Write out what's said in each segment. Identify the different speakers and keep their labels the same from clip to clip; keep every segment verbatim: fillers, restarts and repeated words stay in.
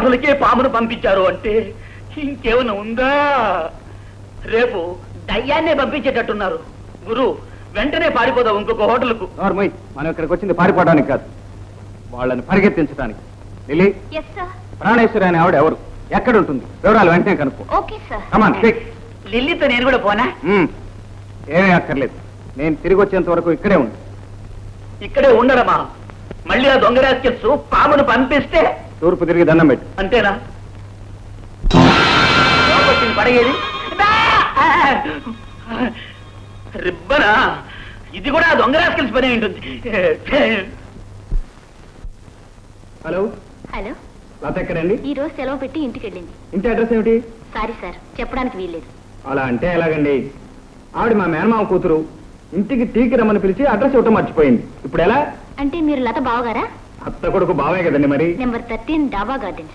Speaker 1: హోటల్కే పామును పంపించారు అంటే ఇంకేమైనా ఉందా? రేపు దయ్యాన్నే పంపించేటట్టున్నారు. గురు, వెంటనే పారిపోదాం ఇంకొక హోటల్కు.
Speaker 2: నార్మల్, మనం ఇక్కడికి వచ్చింది పారిపోవడానికి కాదు, వాళ్ళని పరిగెత్తించడానికి. లిల్లీ, ప్రాణేశ్వరి అనే ఆవిడ ఎవరు, ఎక్కడ ఉంటుంది, వివరాలు వెంటనే కనుక్కో. కమాన్, క్విక్.
Speaker 1: లిల్లీతో నేను కూడా పోనా?
Speaker 2: ఏమీ అక్కర్లేదు, నేను తిరిగి వచ్చేంత వరకు ఇక్కడే ఉండు.
Speaker 1: ఇక్కడే ఉండడమా? మళ్ళీ ఆ దొంగ రాస్కెల్స్ పామును పంపిస్తే
Speaker 2: తూర్పు తిరిగి దండం పెట్టు.
Speaker 1: అంతేనా? పడగేది రిబ్బనా? ఇది కూడా దొంగ రాస్కెల్స్ పని ఉంటుంది.
Speaker 2: హలో
Speaker 3: హలో,
Speaker 2: లత ఎక్కడండి?
Speaker 3: ఈ రోజు సెలవు పెట్టి ఇంటికి వెళ్ళింది.
Speaker 2: ఇంటి అడ్రస్ ఏమిటి?
Speaker 3: సారీ సార్, చెప్పడానికి వీల్లేదు.
Speaker 2: అలా అంటే ఎలాగండి? ఆవిడ మా మేనమామ కూతురు, ఇంటికి టీకి రమ్మని పిలిచి అడ్రస్ ఇవ్వటం మర్చిపోయింది. ఇప్పుడు ఎలా?
Speaker 3: అంటే మీరు లత బావగారా?
Speaker 2: అత్త కొడుకు బావే కదండి మరి.
Speaker 3: Number thirteen Dhaba Gardens.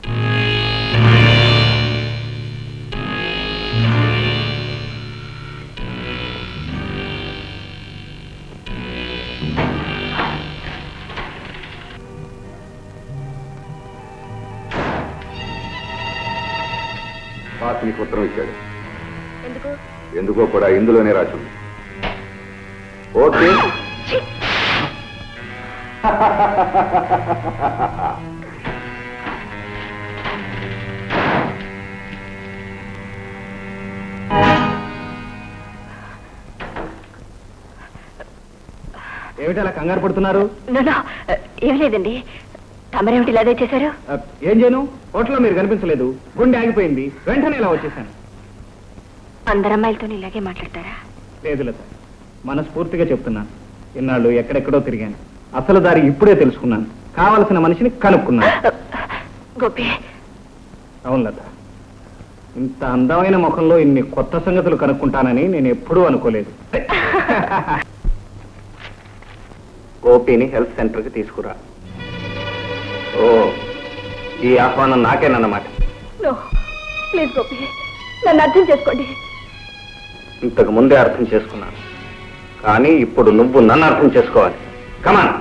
Speaker 4: Boss నీకు ఉత్తరం ఇచ్చాడు.
Speaker 3: ఎందుకు?
Speaker 4: ఎందుకో కూడా ఇందులోనే రాసి ఉంది. ఓకే,
Speaker 2: ఏమిటి అలా కంగారు పడుతున్నారు?
Speaker 3: ఏం లేదండి, తమరేమిటి ఇలాగే చేశారు?
Speaker 2: ఏం చేయను, హోటల్లో మీరు కనిపించలేదు, గుండె ఆగిపోయింది, వెంటనే ఇలా వచ్చేసాను.
Speaker 3: అందరు అమ్మాయిలతో ఇలాగే మాట్లాడతారా?
Speaker 2: లేదు లత, మనస్ఫూర్తిగా చెప్తున్నాను, ఇన్నాళ్ళు ఎక్కడెక్కడో తిరిగాను, అసలు దారి ఇప్పుడే తెలుసుకున్నాను, కావలసిన మనిషిని కనుక్కున్నాను.
Speaker 3: గోపి.
Speaker 2: అవును లత, ఇంత అందమైన ముఖంలో ఇన్ని కొత్త సంగతులు కనుక్కుంటానని నేను ఎప్పుడూ అనుకోలేదు. గోపిని హెల్త్ సెంటర్కి తీసుకురా. ఓ, ఈ ఆహ్వానం నాకేనన్నమాట.
Speaker 3: ప్లీజ్ గోపి, నన్ను అర్థం చేసుకోండి.
Speaker 2: ఇంతకు ముందే అర్థం చేసుకున్నాను, కానీ ఇప్పుడు నువ్వు నన్ను అర్థం చేసుకోవాలి. కమాన్.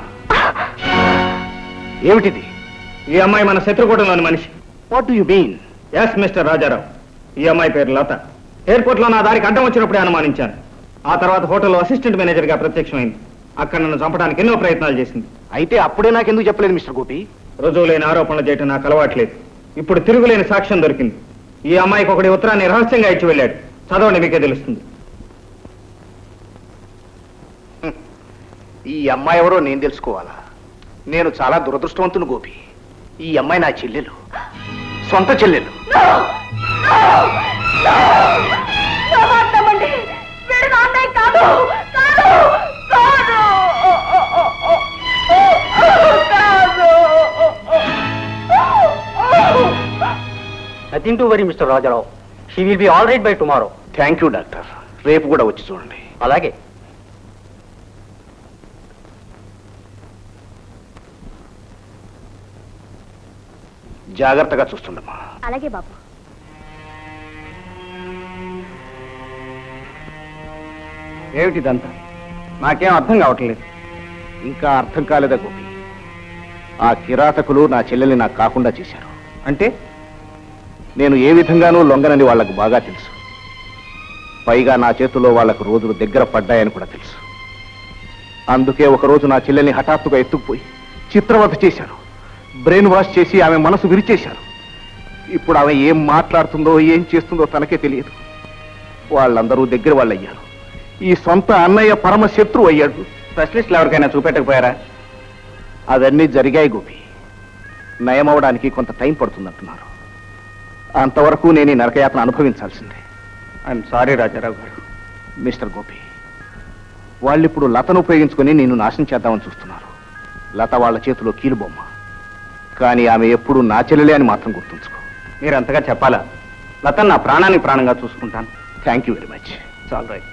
Speaker 2: ఏమిటిది? ఈ అమ్మాయి మన శత్రుకూటంలోని మనిషి. What do you mean? Yes mister Rajarao, ఈ అమ్మాయి పేరు లత. ఎయిర్పోర్ట్ లో నా దారికి అడ్డం వచ్చినప్పుడే అనుమానించాను. ఆ తర్వాత హోటల్లో అసిస్టెంట్ మేనేజర్ గా ప్రత్యక్షమైంది. అక్కడ నన్ను చంపడానికి ఎన్నో ప్రయత్నాలు చేసింది.
Speaker 5: అయితే అప్పుడే నాకెందుకు చెప్పలేదు మిస్టర్ గోపి?
Speaker 2: రుజువు లేని ఆరోపణలు చేయటం నాకు అలవాట్లేదు. ఇప్పుడు తిరుగులేని సాక్ష్యం దొరికింది. ఈ అమ్మాయికి ఒకటి ఉత్తరాన్ని రహస్యంగా ఇచ్చి వెళ్ళాడు. చదవండి, మీకే తెలుస్తుంది.
Speaker 5: ఈ అమ్మాయి ఎవరో నేను తెలుసుకోవాలా? నేను చాలా దురదృష్టవంతుని గోపి. ఈ అమ్మాయి నా చెల్లెలు, సొంత చెల్లెలు.
Speaker 1: Nothing to worry mister Rajarao, she will be all right by tomorrow.
Speaker 5: Thank you doctor, రేపు కూడా వచ్చి చూడండి.
Speaker 1: అలాగే.
Speaker 5: జాగ్రత్తగా చూస్తుండమ్మా.
Speaker 3: అలాగే బాబు.
Speaker 2: ఏమిటిదంతా? నాకేం అర్థం కావట్లేదు.
Speaker 5: ఇంకా అర్థం కాలేదా గోపి? ఆ కిరాతకులు నా చెల్లెల్ని నాకు కాకుండా చేశారు.
Speaker 2: అంటే
Speaker 5: నేను ఏ విధంగానూ లొంగనని వాళ్లకు బాగా తెలుసు. పైగా నా చేతుల్లో వాళ్లకు రోజులు దగ్గర పడ్డాయని కూడా తెలుసు. అందుకే ఒకరోజు నా చెల్లెల్ని హఠాత్తుగా ఎత్తుకుపోయి చిత్రవధ చేశారు. బ్రెయిన్ వాష్ చేసి ఆమె మనసు విరిచేశారు. ఇప్పుడు ఆమె ఏం మాట్లాడుతుందో ఏం చేస్తుందో తనకే తెలియదు. వాళ్ళందరూ దగ్గర వాళ్ళు అయ్యారు. ఈ సొంత అన్నయ్య పరమ శత్రువు అయ్యాడు.
Speaker 2: స్పెషలిస్టులు ఎవరికైనా చూపెట్టకపోయారా?
Speaker 5: అవన్నీ జరిగాయి గోపి. నయమవడానికి కొంత టైం పడుతుందంటున్నారు. అంతవరకు నేను ఈ నరకయాత్ర అనుభవించాల్సిందే.
Speaker 2: I'm sorry Rajarao garu.
Speaker 5: Mister Gopi, వాళ్ళిప్పుడు లతను ఉపయోగించుకుని నిన్ను నాశనం చేద్దామని చూస్తున్నారు. లత వాళ్ళ చేతిలో కీలుబొమ్మ, కానీ ఆమె ఎప్పుడు నా చెల్లెలే అని మాత్రం గుర్తుంచుకో.
Speaker 2: మీరు అంతగా చెప్పాలా? లత నా ప్రాణానికి ప్రాణంగా చూసుకుంటాను.
Speaker 5: Thank you very much.
Speaker 2: చాలు రైట్.